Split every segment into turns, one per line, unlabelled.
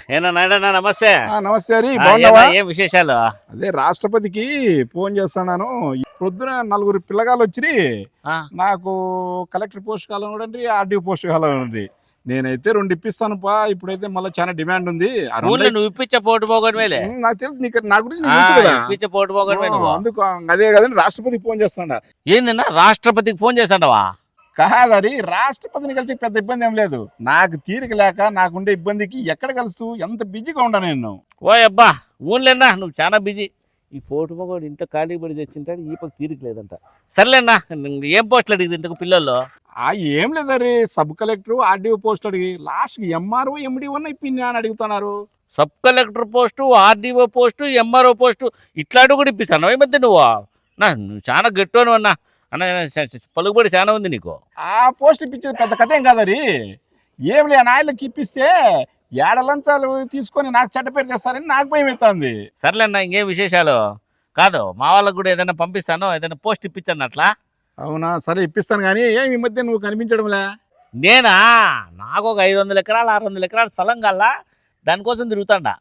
ఏనా నాయుడన్నా నమస్తే.
నమస్తే హరి, బాగున్నావా?
ఏం విశేషాలు?
అదే రాష్ట్రపతికి ఫోన్ చేస్తున్నాను. పొద్దున 4 పిల్లగాళ్ళు వచ్చి నాకు కలెక్టర్ పోస్ట్ కావాలండి, ఆర్డీఓ పోస్ట్ కావాలండి. నేనైతే 2 ఇప్పిస్తాను పా. ఇప్పుడైతే మళ్ళీ చాలా డిమాండ్ ఉంది.
నువ్వు ఇప్పించే పోటు పోగొడమేలే.
నాకు తెలుసు, నా గురించి నీకు తెలుసు కదా.
ఇప్పించే పోటు పోగొడమే నువ్వు.
అందుకు అదే కదండి రాష్ట్రపతికి ఫోన్ చేస్తాడా.
ఏందన్నా రాష్ట్రపతికి ఫోన్ చేస్తాడవా?
కాదని రాష్ట్రపతిని కలిసి పెద్ద ఇబ్బంది ఏం లేదు. నాకు తీరిక లేక నాకుండే ఇబ్బందికి ఎక్కడ కలుసు, ఎంత బిజీగా ఉండా నేను.
ఓ అబ్బా ఊన్లేనా, నువ్వు చాలా బిజీ. ఈ పోటు పోగొడు ఇంట్లో ఖాళీ పడి తెచ్చింటాడు, ఈ పక్క తీరిక లేదంట. సర్లేనా, ఏం పోస్టులు అడిగింది ఇంతకు పిల్లల్లో?
ఏం లేదరి, సబ్ కలెక్టర్ ఆర్డీఓ పోస్ట్ అడిగి లాస్ట్ ఎంఆర్ఓ ఎండిఓ ఇప్పింది అని అడుగుతున్నారు.
Sub collector post, RDO post, MRO post ఇట్లాంటివి కూడా ఇప్పిస్తాను. ఏమంటే నువ్వు చాలా గట్టు అన్నా అన్న, పలుకుబడి చాలా ఉంది నీకు.
ఆ పోస్ట్ ఇప్పించేది పెద్ద కథ ఏం కాదరి. ఏం లే నాయలకి ఇప్పిస్తే ఏడలంచాలు తీసుకొని నాకు చెడ్డపేరు చేస్తారని నాకు భయం అవుతుంది.
సర్లేన్నా, ఇంకేం విశేషాలు? కాదు, మా వాళ్ళకు కూడా ఏదైనా పంపిస్తాను, ఏదైనా పోస్ట్ ఇప్పించాను అట్లా.
అవునా, సరే ఇప్పిస్తాను. కానీ ఏమి ఈ మధ్య నువ్వు కనిపించడంలే.
నేనా, నాకు ఒక 500 ఎకరాలు 600 ఎకరాల స్థలం కల్లా దానికోసం తిరుగుతాడా.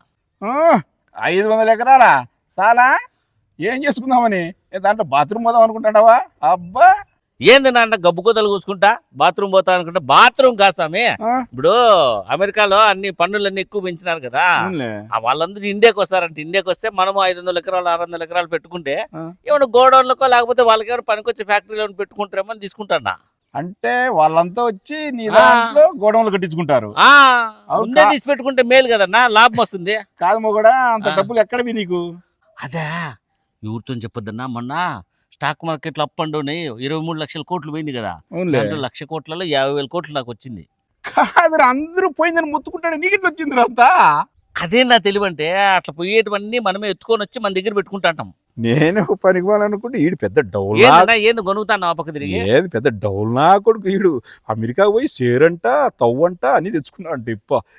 500 ఎకరాలా చాలా? ఏం చేసుకుందామని? దాంట్లో బాత్రూమ్ పోదాం అనుకుంటాడావా? అబ్బా
ఏంది నాన్న గబ్బు కూతలు కూసుకుంటా బాత్రూమ్ పోతా అనుకుంటా. బాత్రూమ్ కాసామి. ఇప్పుడు అమెరికాలో అన్ని పన్నులన్నీ ఎక్కువ పెంచినారు కదా, వాళ్ళందరూ ఇండియాకి వస్తారంటే. ఇండియాకి వస్తే మనము 500 ఎకరాలు 600 ఎకరాలు పెట్టుకుంటే ఏమన్నా గోడౌన్లకో లేకపోతే వాళ్ళకి ఏమైనా పనికొచ్చే ఫ్యాక్టరీలో పెట్టుకుంటారేమో అని తీసుకుంటా.
అంటే వాళ్ళంతా వచ్చి నీ దాంట్లో గోడౌన్లు కట్టించుకుంటారు.
ముందే తీసి పెట్టుకుంటే మేలు కదన్నా, లాభం వస్తుంది.
కాదు మొగడా, అంత డబ్బులు ఎక్కడవి నీకు?
అదే ఎవరితో చెప్పొద్దన్నా, మొన్న స్టాక్ మార్కెట్ లో అప్ అండ్ డౌన్ 23 లక్షల కోట్లు పోయింది కదా, 1,00,000 కోట్లలో 50,000 కోట్లు నాకు వచ్చింది.
కాదు, అందరూ పోయిందని ముత్తుకుంటాడు, నీకు వచ్చింది అంతా.
అదే నా తెలివంటే, అట్లా పోయేటివన్నీ మనమే ఎత్తుకొని వచ్చి మన దగ్గర పెట్టుకుంటాం.
నేను పనికి పోవాలనుకుంటే ఈడు పెద్ద డౌల్.
ఏంది కొనుగుతాను ఆ పక్క తిరిగి?
ఏది పెద్ద డౌల్ నా కొడుకు ఈడు. అమెరికా పోయి సేరంట తవ్వంట అని తెచ్చుకున్నావు అంటే.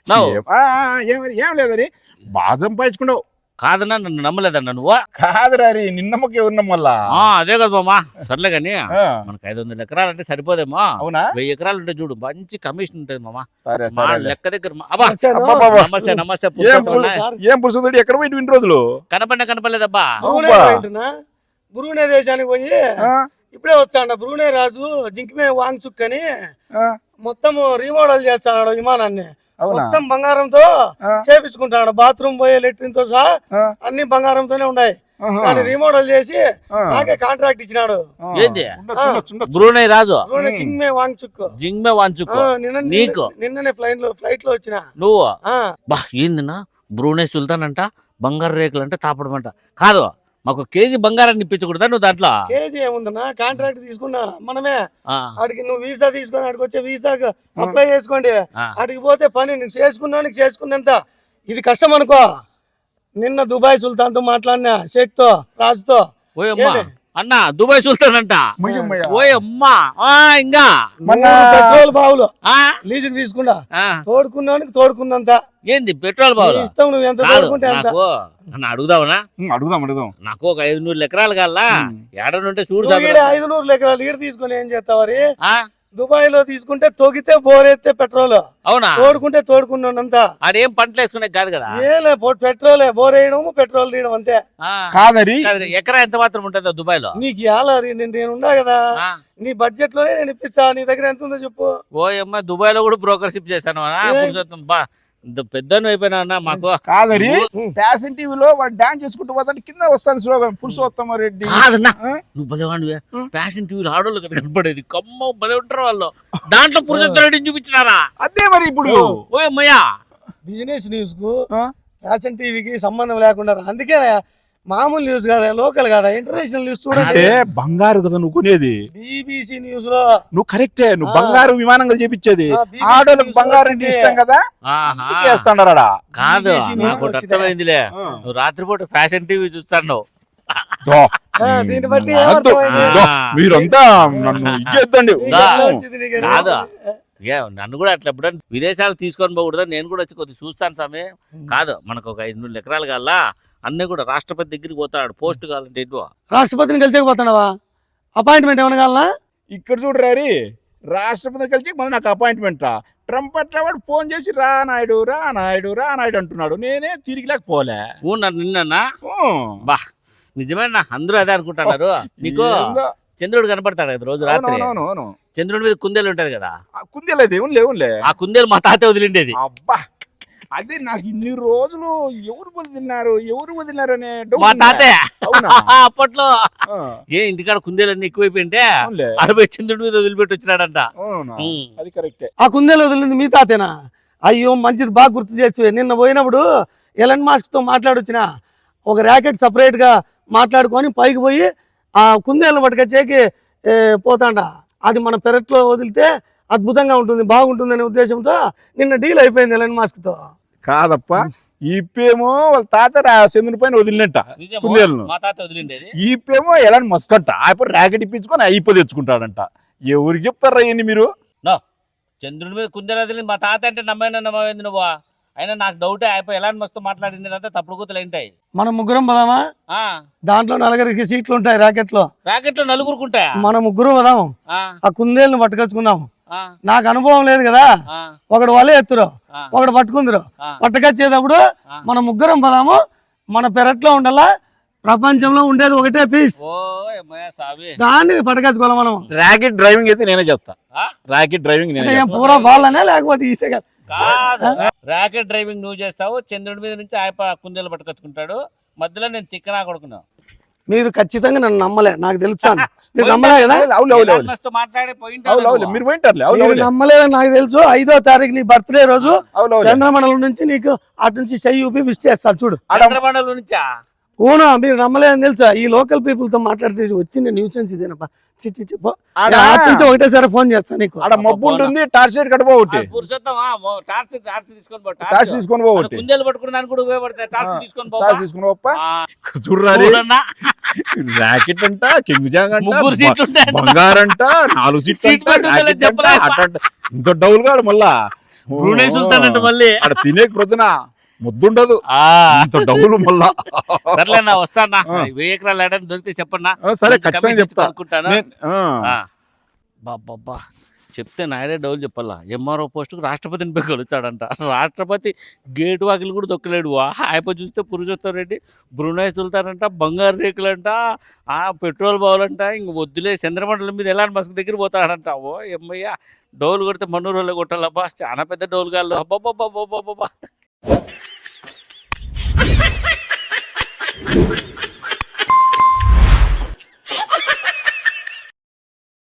ఏం లేదని బాగా సంపాదించుకున్నావు.
కాదన్నా, నన్ను నమ్మలేదన్నా నువ్వు?
కాదురా, నిన్నమ్మకి ఎవరు నమ్మల్లా?
అదే కదా మామా. సర్లే కానీ మనకు 500 ఎకరాలు అంటే సరిపోదేమో.
అవునా?
1000 ఎకరాలు ఉంటే చూడు, మంచి కమిషన్ ఉంటుంది మామా. లెక్క దగ్గర. నమస్తే నమస్తే.
ఏం పురుషుడు, ఎక్కడ పోయి 20 రోజులు
కనపడలేదబ్బా.
బ్రూనై దేశానికి పోయి ఇప్పుడే వచ్చాడు. బ్రూనై రాజు జింక్మే వాంగ్చుక్ అని మొత్తం రీమోడల్ చేస్తాడు విమానాన్ని. మొత్తం బంగారంతో చేపించుకుంటాడు. బాత్రూమ్ పోయే లెట్రిన్ తో సహా అన్ని బంగారంతోనే ఉన్నాయి. దాన్ని రీమోడల్ చేసి నాకే కాంట్రాక్ట్ ఇచ్చినాడు.
బ్రూనై రాజు
జింగ్మే వాంగ్చుక్.
జింగ్మే వాంగ్చుక్
నిన్ననే ఫ్లైట్ లో వచ్చిన.
నువ్వు బా ఏందన్నా, బ్రూనై సుల్తాన్ అంట, బంగారు రేకులు అంటే తాపడమంట. కాదు, మాకు కేజీ బంగారాన్ని ఇప్పించకూడదా నువ్వు దాంట్లో?
కేజీ ఏముందన్నా, కాంట్రాక్ట్ తీసుకున్నా మనమే. అడిగి నువ్వు వీసా తీసుకొని అడిగి వచ్చే వీసాకు అప్లై చేసుకోండి. అడిగి పోతే పని నీకు చేసుకున్నంత. ఇది కష్టం అనుకో. నిన్న దుబాయ్ సుల్తాన్ తో మాట్లాడినా, షేక్ తో, రాజుతో.
అన్నా దుబాయ్ సుల్తాన్ అంట. ఓయమ్మా, ఇంకా
పెట్రోల్ బావులు లీజుకు తీసుకున్నా. తోడుకున్నంత.
ఏంది పెట్రోల్ బావులు
ఇష్టం, నువ్వు ఎంత తోడుకుంటే అంత.
అడుగుదావునా?
అడుగుదాం.
నాకు ఒక 500 ఎకరాలు కల్లా ఏడనుంటే చూడు.
500 ఎకరాలు ఈడ తీసుకుని ఏం చేస్తావరి? దుబాయ్ లో తీసుకుంటే తొగితే బోరెత్తే పెట్రోల్. అవునా? తోడుకున్నంత.
ఆడేం పంటలు వేసుకునే కాదు కదా,
ఏలే పెట్రోలే, బోర్ వేయడం పెట్రోల్ తీయడం అంతే.
కాదరి
ఎకరా ఎంత మాత్రం ఉంటుందో దుబాయ్ లో?
నీకు ఇవ్వాలి, నేనున్నా కదా, నీ బడ్జెట్ లోనే నేను ఇప్పిస్తా. నీ దగ్గర ఎంత ఉందో చెప్పు.
ఓయమ్మ, దుబాయ్ లో కూడా బ్రోకర్షిప్ చేశాను. పెద్ద అయిపోయినా మాకు.
కాదరి ఫ్యాషన్ టీవీలో వాడు డాన్స్ చేసుకుంటూ పోతాడు, కింద వస్తాను స్లోగన్ పురుషోత్తమ రెడ్డి.
నువ్వు భలేవాడివే. ఫ్యాషన్ టీవీలో ఆడోళ్ళు కదా కనపడేది, కమ్మ భలే ఉంటారు వాళ్ళు. దాంట్లో పురుషోత్తమ రెడ్డిని చూపించినారా?
అదే మరి ఇప్పుడు
ఓయమ్మయ్యా,
బిజినెస్ న్యూస్ కు ఫ్యాషన్ టీవీకి సంబంధం లేకుండా. అందుకే మామూలు న్యూస్ కాదా, లోకల్ కాదా, ఇంటర్నేషనల్ న్యూస్ చూడండి.
బంగారు కదా నువ్వు కొనేది.
బీబీసీ న్యూస్ లో నువ్వు
కరెక్టే, నువ్వు బంగారు విమానంగా చేపించేది. ఆడోళ్ళకి బంగారు అంటే ఇష్టం కదా, చేస్తాడా?
కాదు, నాకు అర్థమైందిలే. నువ్వు రాత్రిపూట ఫ్యాషన్ టీవీ చూస్తాను.
దీన్ని బట్టి
మీరంతా నన్ను ఇచ్చేద్దండి.
కాదు, నన్ను కూడా అట్లా ఎప్పుడన్నా విదేశాలు తీసుకొని పోకూడదు, నేను కూడా వచ్చి కొద్దిగా చూస్తాను స్వామి. కాదు, మనకు ఒక 500 ఎకరాలు కల్లా అన్నీ కూడా రాష్ట్రపతి దగ్గరికి పోతాడు. పోస్ట్ కావాలంటే
రాష్ట్రపతిని కలిసేకపోతున్నావా? అపాయింట్మెంట్ ఏమైనా కావాలా?
ఇక్కడ చూడరారి, రాష్ట్రపతి కలిసి మళ్ళీ నాకు అపాయింట్మెంట్ రా. ట్రంప్ అట్లా వాడు ఫోన్ చేసి రా నాయుడు రా నాయుడు రా నాయుడు అంటున్నాడు. నేనే తిరిగిలేకపోలే.
ఊనా నిన్నన్నా బా నిజమేనా? అందరూ అదే అనుకుంటున్నారు. నీకు చంద్రుడు కనపడతాడు కదా రోజు రాత్రి. చంద్రుడి మీద కుందేలు ఉంటది కదా.
కుందేలేదు ఏములే.
ఆ కుందేలు మా తాత వదిలిండేది.
అబ్బా అదే నాకు ఇన్ని రోజులు ఎవరు వదిలినారు అనే
మా తాతయ్య అప్పట్లో ఇంటికాడ కుందేలన్నీ ఎక్కువైపోయింటే అరవై చంద్రుడి మీద వదిలిపెట్టి వచ్చినాడంట.
అది కరెక్టే.
ఆ కుందేలు వదిలింది మీ తాతేనా? అయ్యో మంచిది, బాగా గుర్తు చేసి. నిన్న పోయినప్పుడు ఎలన్ మాస్క్ తో మాట్లాడొచ్చిన ఒక ర్యాకెట్ సపరేట్ గా మాట్లాడుకొని పైకి పోయి ఆ కుందేలను పట్టుకొచ్చేకి పోతాండ. అది మన పెరట్లో వదిలితే అద్భుతంగా ఉంటుంది, బాగుంటుంది అనే ఉద్దేశంతో నిన్న డీల్ అయిపోయింది ఎలన్ మాస్క్ తో.
కాదప్ప ఈపేమో వాళ్ళ తాత చంద్రుని పైన వదిలినట్ట కుందేలను.
మా తాత వదిలిండేది.
ఈపేమో ఎలాంటి మస్కంట ఆయన ర్యాకెట్ ఇప్పించుకొని అయిపో తెచ్చుకుంటాడంట. ఎవరికి చెప్తారా ఏంటి మీరు?
చంద్రుడి మీద కుందేలు వదిలింది మా తాత అంటే నమ్మేంది నువ్వు? అయినా నాకు డౌటే అయిపోయి ఎలాంటి మస్తు మాట్లాడిందంతా తప్పుడు కూతులు ఏంటాయి.
మనం ముగ్గురం పదామా? దాంట్లో 4 సీట్లు ఉంటాయి ర్యాకెట్ లో.
నలుగురుకుంటాయా?
మనం ముగ్గురు పదాము, ఆ కుందేలను పట్టుకొచ్చుకుందాము. నాకు అనుభవం లేదు కదా, ఒకడు వలే ఎత్తురు, ఒకడు పట్టుకుందరు. పట్టుకొచ్చేటప్పుడు మన ముగ్గురం పదాము, మన పెరట్లో ఉండాలా. ప్రపంచంలో ఉండేది ఒకటే పీస్, దాన్ని పట్టుకొచ్చుకోవాలి మనం.
ర్యాకెట్ డ్రైవింగ్ అయితే నేనే చెప్తా. ర్యాకెట్ డ్రైవింగ్
పూరా బాలనే లేకపోతే ఈసే కదా.
ర్యాకెట్ డ్రైవింగ్ నువ్వు చేస్తావు, చంద్రుడి మీద నుంచి ఆయప కుందేలు పట్టుకొచ్చుకుంటాడు, మధ్యలో నేను తిక్కనా కొడుకున్నా.
మీరు ఖచ్చితంగా నన్ను నమ్మలే, నాకు తెలుసు. మీరు నమ్మలే కదా? మీరు నమ్మలేదని నాకు తెలుసు. 5వ తారీఖు నీ బర్త్డే రోజు చంద్రమండలం నుంచి నీకు అటు నుంచి చెయ్యి ఊపి విష్ చేస్తాను చూడు.
చంద్రమండలం నుంచా?
ఓనా మీరు నమ్మలేదని తెలుసా? ఈ లోకల్ పీపుల్ తో మాట్లాడితే వచ్చింది న్యూసెన్స్ ఇదేనప్పా. ఒకటేసారి ఫోన్ చేస్తా నీకు.
ఆడ మబ్బు ఉంటుంది, టార్చ్ లైట్ కట్టబోటి, టార్చ్ తీసుకొని పోవట్టి,
కుందేలు పట్టుకుని దానికి కూడా ఉపయోగపడతాయి. టార్చ్ తీసుకొని
చూడాలి. ర్యాకెట్ అంట, కింగ్ జాంగ్ అంట, 3 సీట్లు బంగారంట, 4 సీట్లు ఇంత డౌల్ గాడు. మళ్ళా
బ్రూనై సుల్తాన్ అంటే మళ్ళీ
ఆడ తినే ప్రొద్దున ముద్దుండదు, ఇంత డబ్బులు. మళ్ళా
సర్లేనా వస్తానా, 1000 ఎకరాలు ఏడాది దొరికితే చెప్పన్నా.
సరే ఖచ్చితంగా చెప్తా
అనుకుంటాను. బాబా చెప్తే నాయుడే డౌలు చెప్పాలా. ఎంఆర్ఓ పోస్టుకు రాష్ట్రపతిని పోయి కలుస్తాడంట. రాష్ట్రపతి గేటు వాకిలు కూడా దొక్కలేడు. ఆయప చూస్తే పురుషోత్తమ్ రెడ్డి బ్రూనై సుల్తాన్, బంగారు రేకులంట, పెట్రోల్ బావులంట. ఇంక వద్దులే, చంద్రమండలం మీద ఎలాంటి మస్క్ దగ్గర పోతాడంట. ఓ ఎమ్మయ్య డౌలు కొడితే మన్నూరు వాళ్ళు కొట్టాలబ్బా, చాలా పెద్ద డౌలు గాళ్ళు. అబ్బాబ్బా